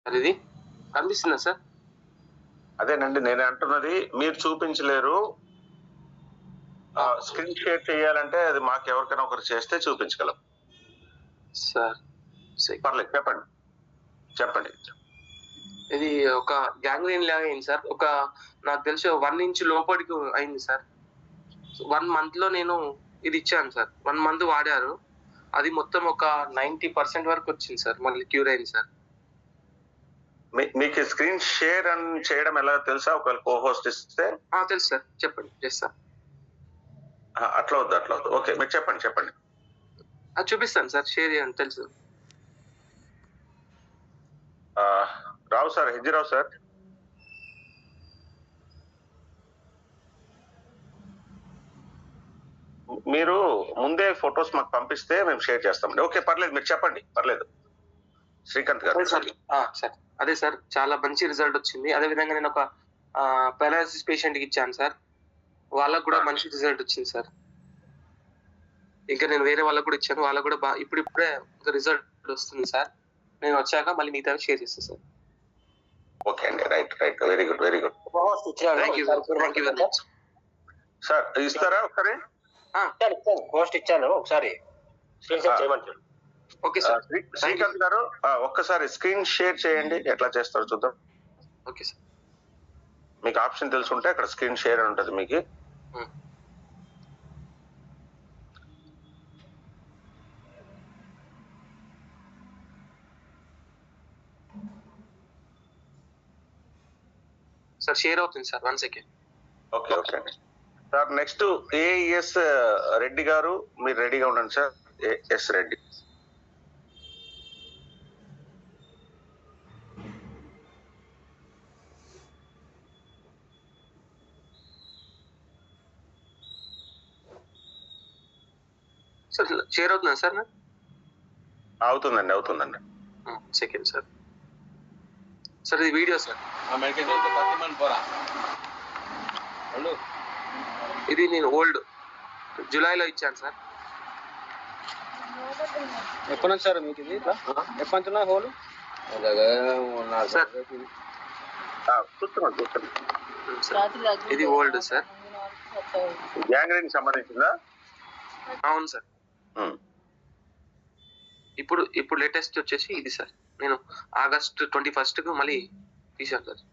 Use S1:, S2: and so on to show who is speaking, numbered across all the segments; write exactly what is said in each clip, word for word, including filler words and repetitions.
S1: Sir ఇది కనిపిస్తుందా sir?
S2: అదేనండి నేను అంటున్నది, మీరు చూపించలేరు. స్క్రీన్ షేర్ చేయాలంటే అది మాకు ఎవరికైనా ఒకరు చేస్తే చూపించగలం
S1: సార్.
S2: పర్లేదు, చెప్పండి చెప్పండి.
S1: ఇది ఒక గ్యాంగ్రీన్ లాగా అయింది సార్. ఒక నాకు తెలిసి వన్ ఇంచ్ లోపలికి అయింది సార్. వన్ మంత్ లో నేను ఇది ఇచ్చాను సార్. వన్ మంత్ వాడారు, అది మొత్తం ఒక నైన్టీ పర్సెంట్ వరకు వచ్చింది సార్. మళ్ళీ క్యూర్ అయింది సార్.
S2: మీకు స్క్రీన్ షేర్ అని చేయడం ఎలా తెలుసా? ఒకవేళ కో హోస్ట్ ఇస్తే
S1: తెలుసు సార్, చెప్పండి. చేస్తా.
S2: అట్లా వద్దు అట్లా వద్దు ఓకే, మీరు చెప్పండి చెప్పండి.
S1: చూపిస్తాను సార్, షేర్ చేయండి. తెలుసు
S2: రావు సార్, హెజ్జిరావు సార్. మీరు ముందే ఫొటోస్ మాకు పంపిస్తే మేము షేర్ చేస్తామండి. ఓకే పర్లేదు, మీరు చెప్పండి, పర్లేదు. శ్రీకాంత్ గారు.
S1: సార్ అదే సార్, చాలా మంచి రిజల్ట్ వచ్చింది. అదే విధంగా నేను ఒక పారాలసిస్ పేషెంట్ కి ఇచ్చాను సార్, వాళ్ళకు కూడా మంచి రిజల్ట్ వచ్చింది సార్. ఇంకా నేను వేరే వాళ్ళకు కూడా ఇచ్చాను, వాళ్ళకు కూడా బాగా ఇప్పుడు ఇప్పుడే రిజల్ట్ వస్తుంది సార్. నేను వచ్చాక మళ్ళీ మిగతా షేర్ చేస్తాను సార్.
S2: ఓకే అండి, right right, very good very good.
S1: Thank you thank you very much
S2: sir. ఇస్తారా ఒకసారి?
S3: పోస్ట్ ఇచ్చాను, ఒకసారి స్క్రీన్ షేర్ చేయమంటారు.
S1: Okay sir.
S2: శ్రీకాంత్ గారు ఒక్కసారి స్క్రీన్ షేర్ చేయండి, ఎట్లా చేస్తారో చూద్దాం.
S1: Okay sir.
S2: మీకు ఆప్షన్ తెలుసుంటే అక్కడ స్క్రీన్ షేర్ అని ఉంటుంది మీకు.
S1: సార్ షేర్ అవుతుంది sir, one second.
S2: Okay okay అండి sir. Next AS Reddy garu, మీరు రెడీగా ఉండండి sir. AS Reddy.
S1: Sir share అవుతుందా సార్?
S2: అవుతుందండి అవుతుందండి.
S1: Second sir. సార్ ఇది వీడియో సార్. ఇది నేను ఓల్డ్ జూలైలో ఇచ్చాను సార్.
S3: ఎప్పటి నుంచి సార్ మీకు ఇది? ఎప్పటి నుంచి ఉన్నా హోల్
S1: సార్?
S2: చూస్తున్నాను చూస్తున్నాను.
S1: ఇది ఓల్డ్ సార్.
S2: గ్యాంగ్రీన్ సంబంధించిందా?
S1: అవును సార్. ఇప్పుడు ఇప్పుడు లేటెస్ట్ వచ్చేసి ఇది సార్. నేను ఆగస్ట్ ట్వంటీ ఫస్ట్ కు మళ్ళీ తీసాను సార్.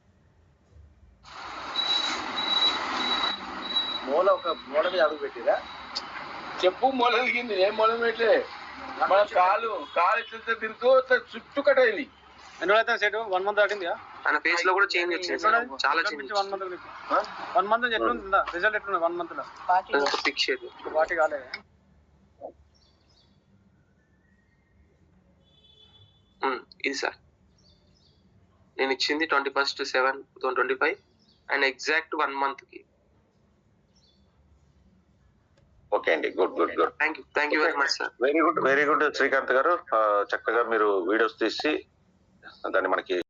S3: మూల ఒక మూల మీద అడుగు పెట్టిరా? చెప్పు మూల దిగింది, ఏం మూల పెట్టలే. మన కాలు కాలు ఇట్లా తిరుగుతూ చుట్టూ కట్ అయింది. ఎన్ని రోజులు అయితే సెట్? వన్ మంత్ దాటింది.
S1: ఆయన ఫేస్ లో కూడా చేంజ్ వచ్చింది సార్, చాలా change.
S3: One month one month ఎట్లుంది రిజల్ట్? ఎట్లుంది వన్ మంత్ లో?
S1: ఫిక్స్
S3: వాటి కాలే.
S1: ఇది సార్ నేను ఇచ్చింది twenty first seven two thousand twenty five and exact one month కి.
S2: ఓకే అండి, good good good.
S1: Thank you thank you very much sir.
S2: Very good very good Srikanth గారు. చక్కగా మీరు వీడియోస్ తీసి దాన్ని మనకి